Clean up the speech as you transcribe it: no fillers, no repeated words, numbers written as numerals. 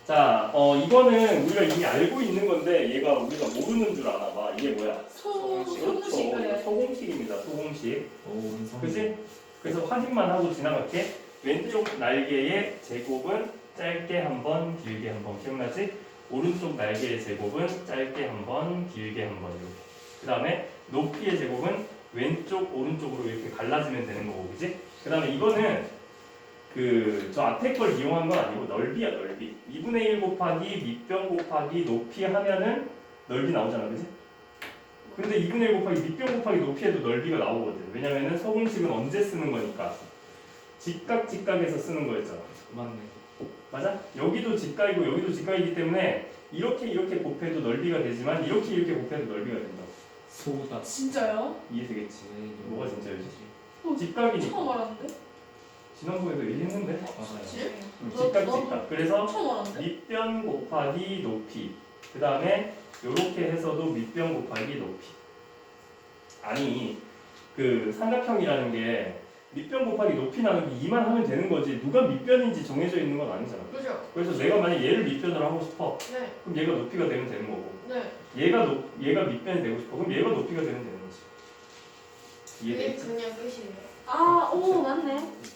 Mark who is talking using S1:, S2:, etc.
S1: 자, 이거는 우리가 이미 알고 있는 건데 얘가 우리가 모르는 줄 아나 봐. 이게 뭐야? 그렇죠. 이거 소공식입니다. 소공식. 그치? 그래서 확인만 하고 지나갈게. 왼쪽 날개의 제곱은 짧게 한 번, 길게 한 번. 기억나지? 오른쪽 날개의 제곱은 짧게 한 번, 길게 한 번. 이렇게. 그 다음에 높이의 제곱은 왼쪽, 오른쪽으로 이렇게 갈라지면 되는 거고, 그치? 그 다음에 이거는 저 앞에 걸 이용한 건 아니고 넓이야, 넓이. 2분의 1 곱하기 밑변 곱하기 높이 하면은 넓이 나오잖아, 그치? 근데 2분의 1 곱하기 밑변 곱하기 높이에도 넓이가 나오거든. 왜냐면은 서공식은 언제 쓰는 거니까 직각, 직각에서 쓰는 거였잖아.
S2: 맞네.
S1: 맞아? 여기도 직각이고 여기도 직각이기 때문에 이렇게 이렇게 곱해도 넓이가 되지만 이렇게 이렇게 곱해도 넓이가 된다.
S2: 소다.
S3: 진짜요?
S1: 이해되겠지? 뭐가 진짜였지?
S3: 어,
S1: 직각이니까.
S3: 처음 알았는데?
S1: 지난번에도 얘기했는데?
S2: 맞아요.
S3: 그치?
S1: 직각,
S3: 너-
S1: 직각. 그래서
S3: 처음 알았는데?
S1: 밑변 곱하기 높이. 그 다음에 이렇게 해서도 밑변 곱하기 높이. 아니 삼각형이라는 게 밑변 곱하기 높이 나누기 2만 하면 되는 거지 누가 밑변인지 정해져 있는 건 아니잖아.
S3: 그죠?
S1: 그래서 내가 만약 얘를 밑변으로 하고 싶어.
S3: 네.
S1: 그럼 얘가 높이가 되면 되는 거고
S3: 네.
S1: 얘가 밑변이 되고 싶어. 그럼 얘가 높이가 되면 되는 거지. 이해되겠지?
S4: 그냥 끝이에요.
S3: 아, 오, 맞네.